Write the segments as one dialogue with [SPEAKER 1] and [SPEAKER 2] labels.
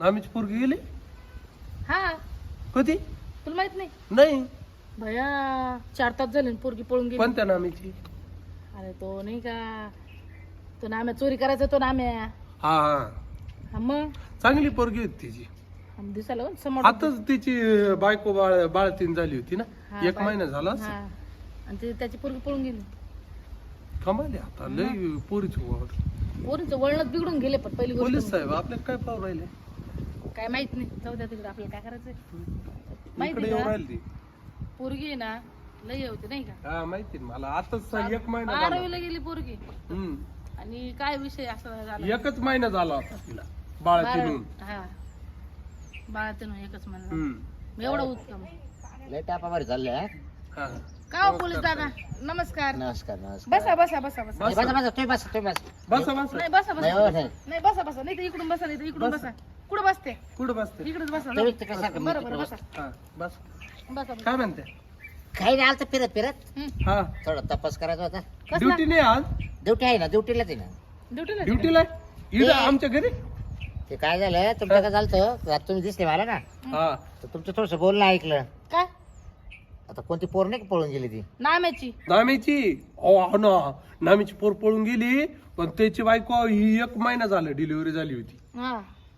[SPEAKER 1] आम्हीच पोरगी गेली
[SPEAKER 2] हा
[SPEAKER 1] कधी
[SPEAKER 2] तुला माहित नाही
[SPEAKER 1] नाही
[SPEAKER 2] भया 4 तास झाले पोरगी पळून गेली.
[SPEAKER 1] कोणत्या नामीची
[SPEAKER 2] अरे तो नाही का तो नाम्या चोरी करायचा तो नाम्या.
[SPEAKER 1] हा हा
[SPEAKER 2] हा मग
[SPEAKER 1] चांगली पोरगी होती तिची
[SPEAKER 2] दिसायला पण समोर
[SPEAKER 1] आताच तिची बायको बाळतीन झाली होती ना
[SPEAKER 2] हा,
[SPEAKER 1] 1 महिना झाला
[SPEAKER 2] हा आणि त्याची पोरगी पळून गेली.
[SPEAKER 1] कमाली आता लय पोरीची वाढ
[SPEAKER 2] पोरीचं वळणच बिघडून गेले पण पहिली गोष्ट
[SPEAKER 1] पोलीस साहेब आपल्याला काय पाहू राहिले
[SPEAKER 2] काय माहित नाही जाऊ द्या तिकडे आपल्याला काय करायचंय.
[SPEAKER 1] इकडे
[SPEAKER 2] माहिती
[SPEAKER 1] येऊ
[SPEAKER 2] का
[SPEAKER 1] राहिली ती
[SPEAKER 2] पोरगी आहे ना लय होती नाही का
[SPEAKER 1] हा माहिती ना मला आताच 1 महिना झाला
[SPEAKER 2] 12वीला गेली पोरगी
[SPEAKER 1] हम्म.
[SPEAKER 2] आणि काय विषय असा झाला
[SPEAKER 1] 1च महिना झाला होता तिला बाळतीन
[SPEAKER 2] हा बाळातून एकच म्हणलं
[SPEAKER 1] हम्म
[SPEAKER 2] एवढं उत्तम
[SPEAKER 3] लय टापावर चाललंय
[SPEAKER 1] हा
[SPEAKER 2] का हो पोलीस दादा नमस्कार
[SPEAKER 3] नमस्कार नमस्कार
[SPEAKER 2] बसा बसा बसा बसा
[SPEAKER 3] बसा बसा तुम्ही बसा तुम्ही बसा
[SPEAKER 1] बसा बसा
[SPEAKER 2] नाही बसा
[SPEAKER 3] नाही,
[SPEAKER 2] बसा
[SPEAKER 3] हो, नाही.
[SPEAKER 2] नाही बसा बसा नाही तर इकडून बसा नाही तर इकडून बसा कुठं बसते
[SPEAKER 1] कुठं बसते
[SPEAKER 2] इकडेच बसा
[SPEAKER 3] तुम्ही तिकडे सारखं
[SPEAKER 2] बरं बरं बसा
[SPEAKER 1] हा बस
[SPEAKER 2] बसा
[SPEAKER 1] काय म्हणते
[SPEAKER 3] काही नाही आलं फिरत फिरत
[SPEAKER 1] हा
[SPEAKER 3] थोडा तपास करायचा होता
[SPEAKER 2] कसला
[SPEAKER 1] ड्युटी नाही आज
[SPEAKER 3] ड्युटी आहे ना ड्युटीलाच आहे ना
[SPEAKER 2] ड्युटीला
[SPEAKER 1] ड्युटीला इकडं आमच्या घरी
[SPEAKER 3] ते काय झालं तुमचं काय झालं तुम्ही दिसले मला ना
[SPEAKER 1] हा
[SPEAKER 3] तर तुमचं थोडस बोलणं ऐकलं
[SPEAKER 2] काय
[SPEAKER 3] आता कोणती पोर नाही का पळून गेली ती
[SPEAKER 2] नाम्याची
[SPEAKER 1] नामीची हो ना नामीची पोर पळून गेली पण त्याची बायको ही 1 महिना झाला डिलिव्हरी झाली होती
[SPEAKER 2] हा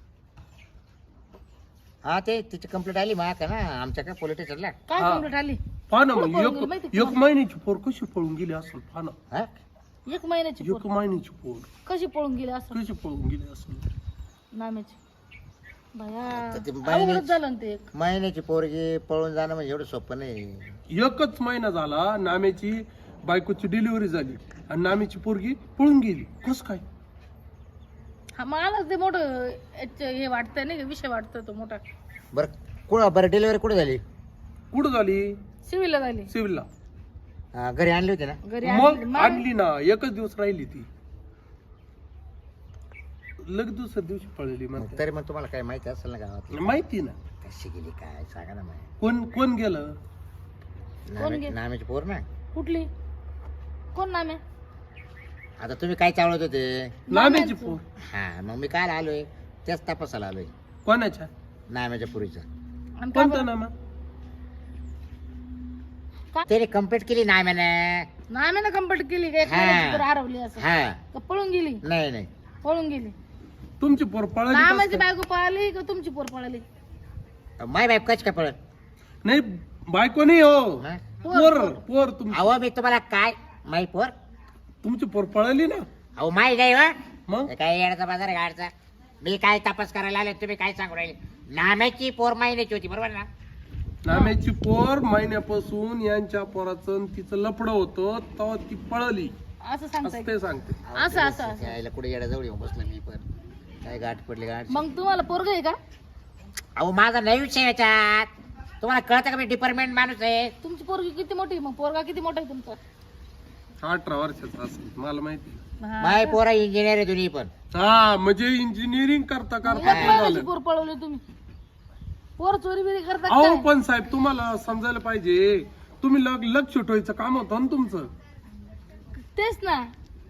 [SPEAKER 3] हा ते तिची कंप्लेंट आली मा का ना आमच्या काय पोलीस स्टेशनला
[SPEAKER 2] काय
[SPEAKER 1] हा.
[SPEAKER 2] कंप्लीट आली
[SPEAKER 1] पहा ना
[SPEAKER 2] कुठं
[SPEAKER 1] मग
[SPEAKER 2] पळून गेली माहिती का
[SPEAKER 1] 1 महिन्याची पोर कशी पळून गेली असेल पहा ना
[SPEAKER 3] हा
[SPEAKER 2] 1 महिन्याची
[SPEAKER 1] 1 महिन्याची पोर
[SPEAKER 2] कशी पळून गेली असं
[SPEAKER 1] कशी पळून गेली असेल
[SPEAKER 2] नाम्याची भया
[SPEAKER 3] तर ते
[SPEAKER 2] अवघडच झालं ना ते एक.
[SPEAKER 3] महिन्याची पोरगी पळून जाणं म्हणजे एवढं सोपं नाही
[SPEAKER 1] 1च महिना झाला नामेची बायकोची डिलिव्हरी झाली आणि नामीची पोरगी पळून गेली कस काय
[SPEAKER 2] हा मला ते मोठं हे वाटतंय नाही का विषय वाटतोय तो मोठा
[SPEAKER 3] बरं डिलिव्हरी कुठे झाली
[SPEAKER 1] कुठं झाली
[SPEAKER 2] सिव्हिलला झाली
[SPEAKER 1] सिव्हिलला
[SPEAKER 3] घरी आणली होती ना
[SPEAKER 2] घरी
[SPEAKER 1] मग आणली ना 1च दिवस राहिली ती लगेच दुसऱ्या दिवशी पळली म्हणते
[SPEAKER 3] तरी मग तुम्हाला काय माहिती असेल ना गावात
[SPEAKER 1] माहिती ना
[SPEAKER 3] कशी गेली काय सांगा ना माहिती
[SPEAKER 1] कोण गेलं
[SPEAKER 3] नाम्याची पोर ना
[SPEAKER 2] कुठली कोण नाम्या
[SPEAKER 3] आता तुम्ही काय चावळत होते
[SPEAKER 1] नाम्याची पोर
[SPEAKER 3] हा मग मी काय आलोय त्याच तपासाला आलोय
[SPEAKER 1] कोणाच्या
[SPEAKER 3] नाम्याच्या पुरीचा
[SPEAKER 2] आणि का
[SPEAKER 1] कोणता
[SPEAKER 2] बरं?
[SPEAKER 1] नामा
[SPEAKER 3] त्याने कंप्लीट केली नाम्याने
[SPEAKER 2] नाम्यानं कंप्लीट केली का एक
[SPEAKER 3] हा.
[SPEAKER 2] महिन्याची तर हरवली असं
[SPEAKER 3] हा
[SPEAKER 2] का पळून गेली
[SPEAKER 3] नाही नाही
[SPEAKER 2] पळून गेली
[SPEAKER 1] तुमची पोर पळाली
[SPEAKER 2] नामाची
[SPEAKER 1] कसं काय?
[SPEAKER 2] बायको पळाली का तुमची पोर पळाली
[SPEAKER 3] माय बाईप कच काय पळत
[SPEAKER 1] नाही बायको नाही हो
[SPEAKER 3] हा?
[SPEAKER 1] पोर
[SPEAKER 3] अहो मी तुम्हाला काय माई पोर
[SPEAKER 1] तुमची पोर पळाली ना
[SPEAKER 3] अहो माई नाही वा
[SPEAKER 1] मग
[SPEAKER 3] काय येण्याचा बाजार आहे गाडचा मी काय तपास करायला आले तुम्ही काय सांगू राहिले नाम्याची पोर महिन्याची होती बरोबर ना
[SPEAKER 1] नाम्याची पोर महिन्यापासून यांच्या पोराचं आणि तिचं लफडं होतं तेव्हा ती पळाली
[SPEAKER 2] असं सांगताय
[SPEAKER 1] असं ते सांगते
[SPEAKER 2] असं असं असं.
[SPEAKER 3] यायला कुठे येण्याजवळ येऊन बसलो मी पण काय गाठ पडली गाठ
[SPEAKER 2] मग तुम्हाला पोरग आहे का
[SPEAKER 3] अहो माझा नाही विषय याच्यात तुम्हाला कळतं का मी डिपार्टमेंट माणूस आहे
[SPEAKER 2] तुमची पोरगी किती मोठी आहे? मग पोरगा किती मोठा आहे तुमचा
[SPEAKER 1] 18 वर्षाचा असेल मला माहिती
[SPEAKER 2] हा.
[SPEAKER 3] माय पोरा इंजिनियर आहे दोन्ही पण
[SPEAKER 1] हा म्हणजे इंजिनिअरिंग करता
[SPEAKER 2] एक
[SPEAKER 1] करता
[SPEAKER 2] महिन्याची पोर पळवली तुम्ही पोर चोरी बिरी करता
[SPEAKER 1] अहो
[SPEAKER 2] काय?
[SPEAKER 1] पण साहेब तुम्हाला समजायला पाहिजे तुम्ही लक्ष ठेवायचं काम होतं ना तुमचं
[SPEAKER 2] तेच ना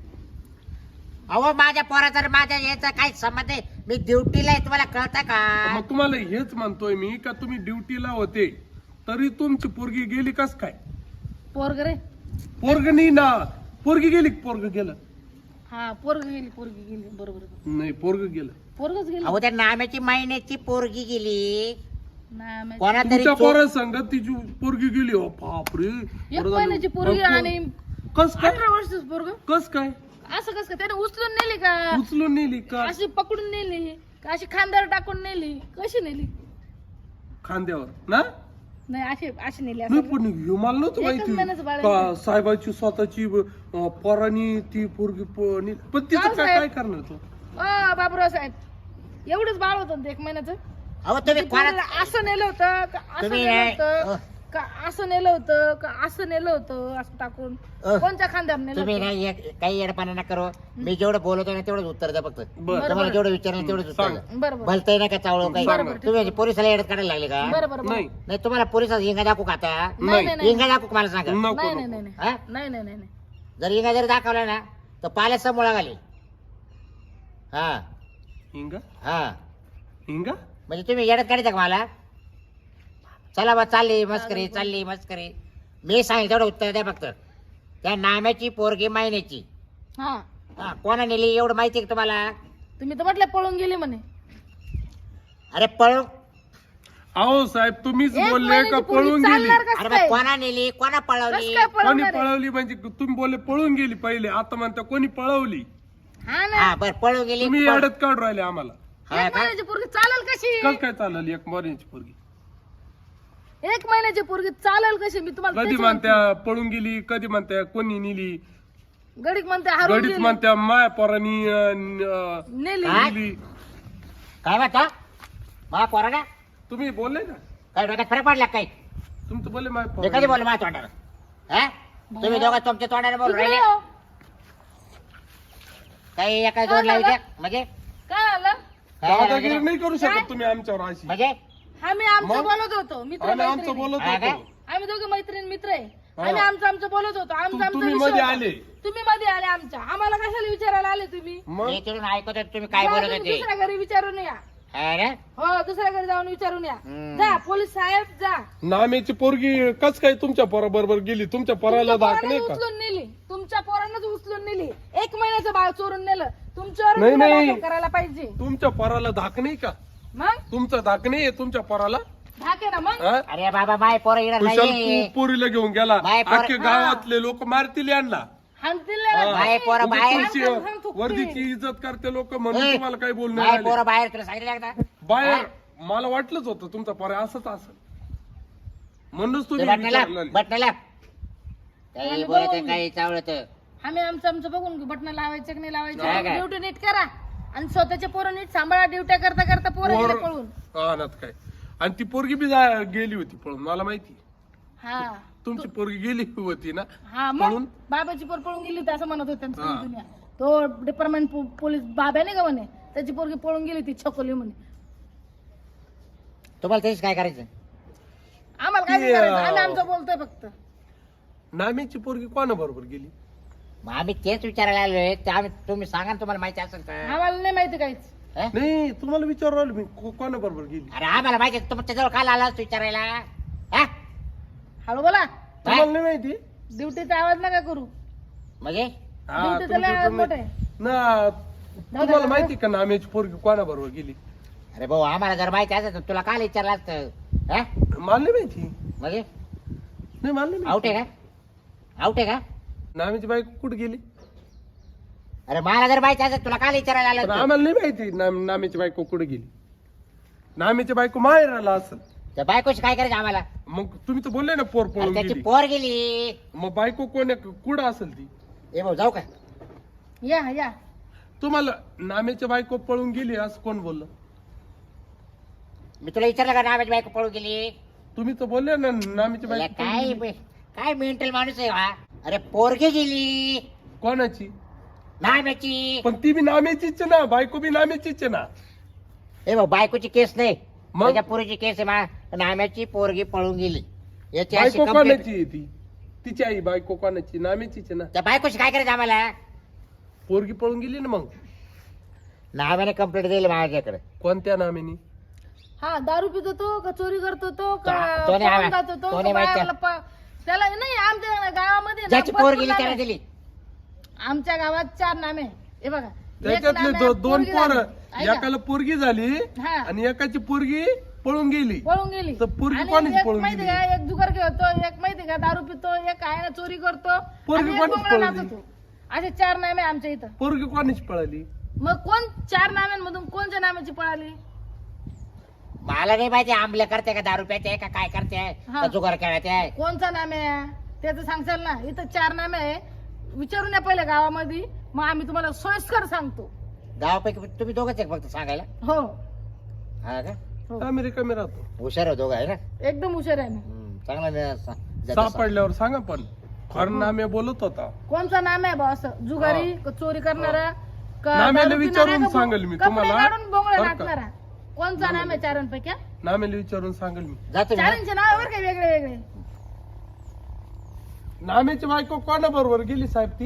[SPEAKER 3] अहो माझ्या पोराचा आणि माझ्या याचा काय संबंध आहे मी ड्युटीला आहे तुम्हाला कळतं का
[SPEAKER 1] मग तुम्हाला हेच म्हणतोय मी का तुम्ही ड्युटीला होते तरी तुमची पोरगी गेली कस काय
[SPEAKER 2] पोरग रे
[SPEAKER 1] पोरग नाही ना पोरगी गेली पोरग गेलं
[SPEAKER 2] हा पोरगी गेली बरोबर
[SPEAKER 1] नाही पोरग गेलं
[SPEAKER 2] पोरगच गेली
[SPEAKER 3] अहो त्या नाम्याची महिन्याची पोरगी गेली
[SPEAKER 2] ना माहिती.
[SPEAKER 3] कोणा तरी
[SPEAKER 1] तुमच्या पोरा संगत तिची पोरगी गेली हो बापरे
[SPEAKER 2] एक महिन्याची पोरगी आणि
[SPEAKER 1] कस काय
[SPEAKER 2] 18 वर्षाचं पोरग
[SPEAKER 1] कस काय
[SPEAKER 2] असं कसं काय त्याने उचलून नेली का
[SPEAKER 1] उचलून नेली का
[SPEAKER 2] अशी पकडून नेली का अशी खांद्यावर टाकून नेली कशी नेली
[SPEAKER 1] खांद्यावर ना
[SPEAKER 2] नाही अशी नेली
[SPEAKER 1] नाही
[SPEAKER 2] असं
[SPEAKER 1] पण हे मला नव्हतं
[SPEAKER 2] एकच महिन्याचं बाळ
[SPEAKER 1] माहिती
[SPEAKER 2] आहे.
[SPEAKER 1] का साहेबाची स्वतःची पोरानी ती पोरगी पण तिचं
[SPEAKER 2] जाऊ
[SPEAKER 1] काय
[SPEAKER 2] साहेब.
[SPEAKER 1] काय करणार तो
[SPEAKER 2] बाबूराव साहेब एवढंच बाळ होतं ना ते 1 महिन्याचं
[SPEAKER 3] अहो तुम्ही कोणा
[SPEAKER 2] पोरीला असं नेलं होतं का असं
[SPEAKER 3] तुम्ही
[SPEAKER 2] नेलं
[SPEAKER 3] नाही.
[SPEAKER 2] होतं का असं नेलं होतं का असं नेलं होतं असं टाकून कोणत्या खांद्यावर नेलं
[SPEAKER 3] तुम्ही
[SPEAKER 2] होतं?
[SPEAKER 3] नाही काही येडपाना नका करू मी जेवढं बोलतो ना तेवढंच उत्तर द्या फक्त
[SPEAKER 1] बरं
[SPEAKER 3] तुम्हाला जेवढं विचारलं तेवढंच उत्तर
[SPEAKER 1] सांग.
[SPEAKER 3] द्या
[SPEAKER 2] बरं बरं
[SPEAKER 3] भलतंय ना का चावळ काही
[SPEAKER 2] बरं, बरं,
[SPEAKER 3] तुम्ही पोलिसाला येडत काढायला लागले का
[SPEAKER 2] बरं बरं
[SPEAKER 1] नाही
[SPEAKER 3] नाही तुम्हाला पोलिसात इंगा दाखवू का आता
[SPEAKER 2] नाही नाही नाही
[SPEAKER 3] इंगा दाखवू का मला सांगा
[SPEAKER 1] नको
[SPEAKER 2] नाही नाही
[SPEAKER 1] नको.
[SPEAKER 2] नाही
[SPEAKER 3] हा?
[SPEAKER 2] नाही नाही नाही नाही
[SPEAKER 3] जर इंगा जर दाखवला ना तर पाल्याचा मुळा घाली हा
[SPEAKER 1] हिंगा
[SPEAKER 3] हा
[SPEAKER 1] हिंगा
[SPEAKER 3] म्हणजे तुम्ही येडत काढता का मला? चला बा चालली मस्करी. मी सांगेल तेवढं उत्तर द्या फक्त. त्या नाम्याची पोरगी महिन्याची
[SPEAKER 2] हा
[SPEAKER 3] कोणा नेली एवढं माहिती आहे का तुम्हाला?
[SPEAKER 2] तुम्ही तर म्हटलं पळून गेली म्हणे.
[SPEAKER 3] अरे पळून
[SPEAKER 1] अहो साहेब तुम्हीच
[SPEAKER 2] एक
[SPEAKER 1] बोलले
[SPEAKER 2] महिन्याची
[SPEAKER 1] का
[SPEAKER 2] पोरगी
[SPEAKER 1] पळून गेली?
[SPEAKER 2] चालणार कसं
[SPEAKER 3] अरे
[SPEAKER 2] काय?
[SPEAKER 3] मग कोणा नेली कोणा पळवली?
[SPEAKER 2] कसं काय
[SPEAKER 1] कोणी
[SPEAKER 2] पळवणार आहे?
[SPEAKER 1] पळवली म्हणजे तुम्ही बोलले पळून गेली पहिले, आता म्हणता कोणी पळवली?
[SPEAKER 2] हा ना.
[SPEAKER 3] हा बर पळून गेली.
[SPEAKER 1] तुम्ही अडत काढून राहिले आम्हाला.
[SPEAKER 3] हा
[SPEAKER 2] एक
[SPEAKER 3] का?
[SPEAKER 2] महिन्याची पोरगी चालेल कशी?
[SPEAKER 1] कस काय चालली एक महिन्याची पोरगी?
[SPEAKER 2] एक महिन्याची पोरगी चालेल कशी? मी तुम्हाला
[SPEAKER 1] कधी
[SPEAKER 2] तेच
[SPEAKER 1] म्हणत्या पळून गेली, कधी म्हणत्या कोणी नेली,
[SPEAKER 2] म्हणते. गडीक म्हणते हरवून
[SPEAKER 1] गडीत
[SPEAKER 2] गेली.
[SPEAKER 1] म्हणत्या माया पोरानी
[SPEAKER 2] नेली.
[SPEAKER 3] काय?
[SPEAKER 1] नेली.
[SPEAKER 3] काय म्हणता मा पोराला?
[SPEAKER 1] तुम्ही बोलले ना,
[SPEAKER 3] काय डोक्यात फरक पडला काय?
[SPEAKER 1] तुमचं बोलले माया
[SPEAKER 3] मी कधी
[SPEAKER 1] पोरानी.
[SPEAKER 3] बोललो माझ्या तोंडाला? हा तुम्ही दोघं तुमच्या तोंडाने बोलू
[SPEAKER 2] तिकडे
[SPEAKER 3] राहिले.
[SPEAKER 2] हो.
[SPEAKER 3] काही एका
[SPEAKER 2] काय
[SPEAKER 3] जोडला
[SPEAKER 2] झालं?
[SPEAKER 3] म्हणजे
[SPEAKER 2] काय झालं?
[SPEAKER 3] काय झालं
[SPEAKER 1] दादागिरी
[SPEAKER 3] म्हणजे?
[SPEAKER 1] नाही करू शकत तुम्ही आमच्यावर अशी.
[SPEAKER 3] म्हणजे
[SPEAKER 2] हा मी आमचं
[SPEAKER 1] मग?
[SPEAKER 2] बोलत होतो मित्र
[SPEAKER 1] आणि आमचं
[SPEAKER 2] मैत्रिणी.
[SPEAKER 1] बोलत
[SPEAKER 3] हा का?
[SPEAKER 1] होतो.
[SPEAKER 2] आम्ही दोघे मैत्रीण मित्र आहे.
[SPEAKER 1] हा.
[SPEAKER 2] आम्ही आमचं बोलत होतो. आमचा
[SPEAKER 1] तुम्ही
[SPEAKER 2] विषय
[SPEAKER 1] मध्ये
[SPEAKER 2] होता.
[SPEAKER 1] आले.
[SPEAKER 2] तुम्ही मध्ये आले आमच्या. आम्हाला कशाला विचारायला आले तुम्ही?
[SPEAKER 1] मग
[SPEAKER 3] मी तिथून ऐकत होतो तुम्ही काय
[SPEAKER 2] जा
[SPEAKER 3] बोलत
[SPEAKER 2] तुम्ही
[SPEAKER 3] होते.
[SPEAKER 2] दुसऱ्या घरी विचारून या.
[SPEAKER 3] हा ना?
[SPEAKER 2] हो दुसऱ्या घरी जाऊन विचारून या.
[SPEAKER 3] हम्म.
[SPEAKER 2] जा पोलीस साहेब जा.
[SPEAKER 1] नामेची पोरगी कस काय तुमच्या पोराबरोबर गेली? तुमच्या पोराला
[SPEAKER 2] तुमच्या
[SPEAKER 1] दाख
[SPEAKER 2] पोरानं
[SPEAKER 1] नाही का?
[SPEAKER 2] उचलून नेली. तुमच्या पोरांनाच उचलून नेली. एक महिन्याचं बाळ चोरून नेलं. तुमच्यावर
[SPEAKER 1] नाही,
[SPEAKER 2] गुन्हा
[SPEAKER 1] नाही.
[SPEAKER 2] दाखल करायला पाहिजे.
[SPEAKER 1] तुमच्या पोराला धाक नाही का?
[SPEAKER 2] मग
[SPEAKER 1] तुमचा धाक नाही तुमच्या पोराला?
[SPEAKER 2] धाके ना मग.
[SPEAKER 1] हा?
[SPEAKER 3] अरे बाबा माय पोरं येणार
[SPEAKER 1] कुशल
[SPEAKER 3] नाही.
[SPEAKER 1] पोरीला घेऊन गेला,
[SPEAKER 3] बाय पोर-
[SPEAKER 1] अख्खे गावातले लोक मारतील यांना.
[SPEAKER 2] हाणतील
[SPEAKER 1] हा.
[SPEAKER 2] ना.
[SPEAKER 3] बाय पोरं
[SPEAKER 1] उगाच
[SPEAKER 3] बाहेर.
[SPEAKER 1] तुमची
[SPEAKER 2] हाण, हाण, थुकतील.
[SPEAKER 1] वर्दीची इज्जत करते लोक म्हणून
[SPEAKER 3] ए,
[SPEAKER 1] तुम्हाला काही बोलणं
[SPEAKER 3] माय
[SPEAKER 1] राहिले.
[SPEAKER 3] पोरं बाहेर तुला सांगितलं एकदा?
[SPEAKER 1] बाहेर मला वाटलंच होतं तुमचा पोरा असंच असं, म्हणूनच तुम्ही
[SPEAKER 3] बटण्याला
[SPEAKER 1] विचारलं.
[SPEAKER 3] बटण्याला काही
[SPEAKER 2] आम्ही
[SPEAKER 3] बोलत
[SPEAKER 2] बघून
[SPEAKER 3] काही चावळत.
[SPEAKER 2] आम्ही आमचं बघून घेऊ. बटणं लावायचं की नाही
[SPEAKER 3] काय
[SPEAKER 2] लावायचं.
[SPEAKER 3] काय?
[SPEAKER 2] ड्युटी नीट करा आणि स्वतःचे पोरं नीट सांभाळा. ड्युट्या करता करता पोरं गेले
[SPEAKER 1] पोर-
[SPEAKER 2] पळून.
[SPEAKER 1] हा ना काय. आणि ती पोरगी बी गेली होती पळून, मला माहिती.
[SPEAKER 2] हा
[SPEAKER 1] तुमची पोरगी गेली होती ना
[SPEAKER 2] हा मग
[SPEAKER 1] पळून?
[SPEAKER 2] बाबाची पोर पळून गेली होती असं म्हणत होते त्यांचं
[SPEAKER 1] हा.
[SPEAKER 2] दुनिया. तो डिपार्टमेंट पोलीस बाबा नाही का म्हणे, त्याची पोरगी पळून गेली ती छकोली म्हणे.
[SPEAKER 3] तुम्हाला तेच काय करायचं?
[SPEAKER 2] आम्हाला काय
[SPEAKER 1] ती,
[SPEAKER 2] नाही करायचं. आम्ही आमचं बोलतोय फक्त.
[SPEAKER 1] नामेची पोरगी कोणा बरोबर गेली?
[SPEAKER 3] मग आम्ही तेच विचारायला आलोय. ते आम्ही तुम्ही सांगा ना तुम्हाला माहिती असेल तर.
[SPEAKER 2] आम्हाला नाही माहिती काहीच.
[SPEAKER 3] हं?
[SPEAKER 1] नाही तुम्हाला विचारू राहिलो मी, कोणा बरोबर गेली?
[SPEAKER 3] अरे आम्हाला माहिती आहे, तुमच्या जवळ काल आला विचारायला. हा?
[SPEAKER 2] हळू बोला.
[SPEAKER 1] तुम्हाला नाही माहिती?
[SPEAKER 2] ड्युटीचा आवाज नका करू.
[SPEAKER 3] म्हणजे
[SPEAKER 1] हा,
[SPEAKER 2] ड्युटीचा लय आवाज मोठा आहे.
[SPEAKER 1] ना तुम्हाला माहिती का नामेची पोरगी कोणा बरोबर गेली?
[SPEAKER 3] अरे भाऊ आम्हाला जर माहिती असेल तर तुला काल विचारलं असतं. हा?
[SPEAKER 1] मला नाही माहिती.
[SPEAKER 3] म्हणजे
[SPEAKER 1] नाही मला नाही
[SPEAKER 3] आउट
[SPEAKER 1] माहिती.
[SPEAKER 3] आहे का? आउट आहे का?
[SPEAKER 1] नामेची बायको कुठे गेली?
[SPEAKER 3] अरे मला जर माहिती असेल तुला काल विचारायला आलं
[SPEAKER 1] पण
[SPEAKER 3] असतं.
[SPEAKER 1] आम्हाला नाही माहिती नामेची बायको कुठे गेली. नामेची बायको माहेराला असेल.
[SPEAKER 3] त्या बायकोशी काय करायचं आम्हाला?
[SPEAKER 1] मग तुम्ही तर बोलले ना पोर
[SPEAKER 3] अरे
[SPEAKER 1] पळून
[SPEAKER 3] त्याची
[SPEAKER 1] गेली.
[SPEAKER 3] पोर गेली.
[SPEAKER 1] मग बायको कोण कुठं असेल ती?
[SPEAKER 3] ए भाऊ जाऊ का?
[SPEAKER 2] या या
[SPEAKER 1] तुम्हाला नामेची बायको पळून गेली असं कोण बोललं?
[SPEAKER 3] मी तुला विचारलं का नावाची बायको पळून गेली?
[SPEAKER 1] तुम्ही तर बोलले ना नामेची
[SPEAKER 3] याला
[SPEAKER 1] बायको पळून गेली.
[SPEAKER 3] काय मेंटल माणूस आहे हा? अरे पोरगी गेली
[SPEAKER 1] कोणाची?
[SPEAKER 3] नाम्याची.
[SPEAKER 1] पण ती बी नामेचीच आहे ना, बायको बी नामेचीच आहे ना.
[SPEAKER 3] ए भाऊ बायकोची केस नाही,
[SPEAKER 1] मग?
[SPEAKER 3] माझ्या पोरीची केस आहे. नाम्याची पोरगी पळून गेली याची अशी
[SPEAKER 1] बायको
[SPEAKER 3] complaint.
[SPEAKER 1] कोणाची आहे ती? तिची आई बायको कोणाची? नामेचीच आहे ना.
[SPEAKER 3] त्या बायकोशी काय करायचं आम्हाला?
[SPEAKER 1] पोरगी पळून गेली ना. मग
[SPEAKER 3] नाम्याने कंप्लेंट दिली माझ्याकडे.
[SPEAKER 1] कोणत्या नामेनी?
[SPEAKER 2] हा दारू पितो तो का चोरी करतो तो का
[SPEAKER 3] तो नाही
[SPEAKER 2] पळून
[SPEAKER 3] आवा-
[SPEAKER 2] जातो तो
[SPEAKER 3] तो
[SPEAKER 2] का
[SPEAKER 3] नाही माहिती.
[SPEAKER 2] बायाला त्याला नाही. आमच्या गावामध्ये ना
[SPEAKER 3] ज्याची पोर
[SPEAKER 2] भरपूर
[SPEAKER 3] गेली
[SPEAKER 2] नामे
[SPEAKER 3] त्याला
[SPEAKER 2] आहे.
[SPEAKER 3] दिली.
[SPEAKER 2] आमच्या गावात 4 नामे. हे बघा एक
[SPEAKER 1] त्याच्यातले
[SPEAKER 2] नामे
[SPEAKER 1] दोन
[SPEAKER 2] पोरगी
[SPEAKER 1] पोर,
[SPEAKER 2] झाली. ऐका.
[SPEAKER 1] एकाला पोरगी झाली
[SPEAKER 2] हा.
[SPEAKER 1] आणि एकाची पोरगी पळून गेली.
[SPEAKER 2] पळून गेली.
[SPEAKER 1] तर पोरगी
[SPEAKER 2] आणि
[SPEAKER 1] कोणाची
[SPEAKER 2] एक
[SPEAKER 1] पळून
[SPEAKER 2] माहिती
[SPEAKER 1] गेली?
[SPEAKER 2] का एक जुगार खेळतो, एक माहिती का दारू पितो, एक आहे ना चोरी करतो,
[SPEAKER 1] पोरगी
[SPEAKER 2] आणि एक
[SPEAKER 1] कोणाची
[SPEAKER 2] बोंगळा
[SPEAKER 1] पळली?
[SPEAKER 2] नाचतो. असे 4 नामे आमच्या इथं.
[SPEAKER 1] पोरगी कोणाची पळाली?
[SPEAKER 2] मग कोण 4 नाम्यांमधून कोणत्या नाम्याची पळाली?
[SPEAKER 3] मला नाही माहिती आंबले करते का दारू प्याते का काय करते
[SPEAKER 2] हा.
[SPEAKER 3] का जुगार खेळते.
[SPEAKER 2] कोणचा नामे आहे त्याचं सांगशाल ना. इथं 4 नामे आहे. विचारून या पहिले गावामध्ये, मग आम्ही तुम्हाला सोयीस्कर सांगतो.
[SPEAKER 3] गावापैकी तुम्ही दोघंच आहे फक्त सांगायला.
[SPEAKER 2] हो
[SPEAKER 3] हा का?
[SPEAKER 2] हो.
[SPEAKER 1] आम्ही रिकामी राहतो.
[SPEAKER 3] हुशार हो दोघं आहे ना.
[SPEAKER 2] एकदम हुशार आहे मी.
[SPEAKER 3] चांगला
[SPEAKER 1] सापडल्यावर सांगा. पण खरं नामे बोलत होता.
[SPEAKER 2] कोणचा नाम आहे बा असं जुगारी का चोरी करणारा का
[SPEAKER 1] नाम्याला
[SPEAKER 2] दारू
[SPEAKER 1] विचारून
[SPEAKER 2] पिणारा का
[SPEAKER 1] सांगेल मी
[SPEAKER 2] कपडे
[SPEAKER 1] तुम्हाला.
[SPEAKER 2] काढून बोंगळे
[SPEAKER 1] बरं का?
[SPEAKER 2] नाचणारा. कोणचा नाम आहे 4पैकी?
[SPEAKER 1] नामेला विचारून सांगेल मी.
[SPEAKER 3] जातो मी, हा?
[SPEAKER 2] 4चे नाव बरं काय वेगळे वेगळे.
[SPEAKER 1] नामेची बायको कोणा बरोबर गेली साहेब ती?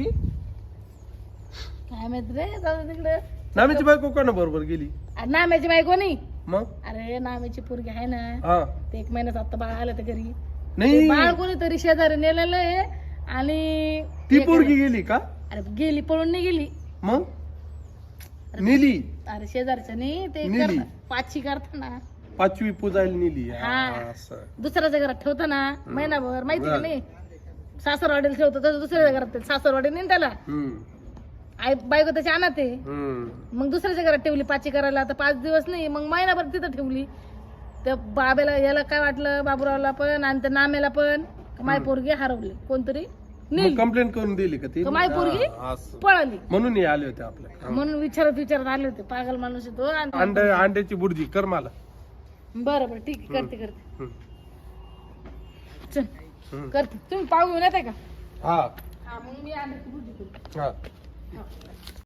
[SPEAKER 2] काय माहित रे, जाऊ दे तिकडे.
[SPEAKER 1] नामेची बायको कोणा बरोबर गेली?
[SPEAKER 2] नाम्याची बायको नाही,
[SPEAKER 1] मग
[SPEAKER 2] अरे नामेची पोरगी आहे ना,
[SPEAKER 1] हा
[SPEAKER 2] ते 1 महिन्यात आता बाळ आलं तर घरी.
[SPEAKER 1] नाही
[SPEAKER 2] ते बाळ कोणीतरी शेजारी नेलेलं आहे आणि
[SPEAKER 1] ती पोरगी गेली का
[SPEAKER 2] अरे गेली, पळून नाही गेली.
[SPEAKER 1] मग नेली
[SPEAKER 2] अरे शेजारच्या नाही ते
[SPEAKER 1] नेली.
[SPEAKER 2] पाचशी करताना
[SPEAKER 1] 5वी पुजायला नेली
[SPEAKER 2] हा.
[SPEAKER 1] असं
[SPEAKER 2] दुसऱ्याच्या घरात ठेवतो ना महिनाभर, माहिती का नाही, सासरवाडीला ठेवतो तसं दुसऱ्याच्या घरात सासरवाडी नाही त्याला,
[SPEAKER 1] हम्म
[SPEAKER 2] आई बायको त्याची आणत आहे.
[SPEAKER 1] हम्म
[SPEAKER 2] मग दुसऱ्याच्या घरात ठेवली पाची करायला, आता 5 दिवस नाही मग महिनाभर तिथं ठेवली. त्या बाबेला याला काय वाटलं, बाबूरावला पण आणि त्या नामेला पण, माय पोरगी हरवली, कोणतरी नेली,
[SPEAKER 1] कंप्लेंट करून दिली का ती
[SPEAKER 2] माय पोरगी
[SPEAKER 1] हा, असं.
[SPEAKER 2] पळाली.
[SPEAKER 1] म्हणून हे आले होते आपल्या
[SPEAKER 2] म्हणून विचारत आले होते, पागल माणूस आहे तो. आणि
[SPEAKER 1] अंड्याची बुर्जी कर मला
[SPEAKER 2] बरं बरं ठीक आहे, करते
[SPEAKER 1] हम्म.
[SPEAKER 2] चल
[SPEAKER 1] हम्म.
[SPEAKER 2] करते. तुम्ही पाव घेऊन येताय का?
[SPEAKER 1] हा
[SPEAKER 2] हा मग मी अंड्याची भुर्जी करते.
[SPEAKER 1] हा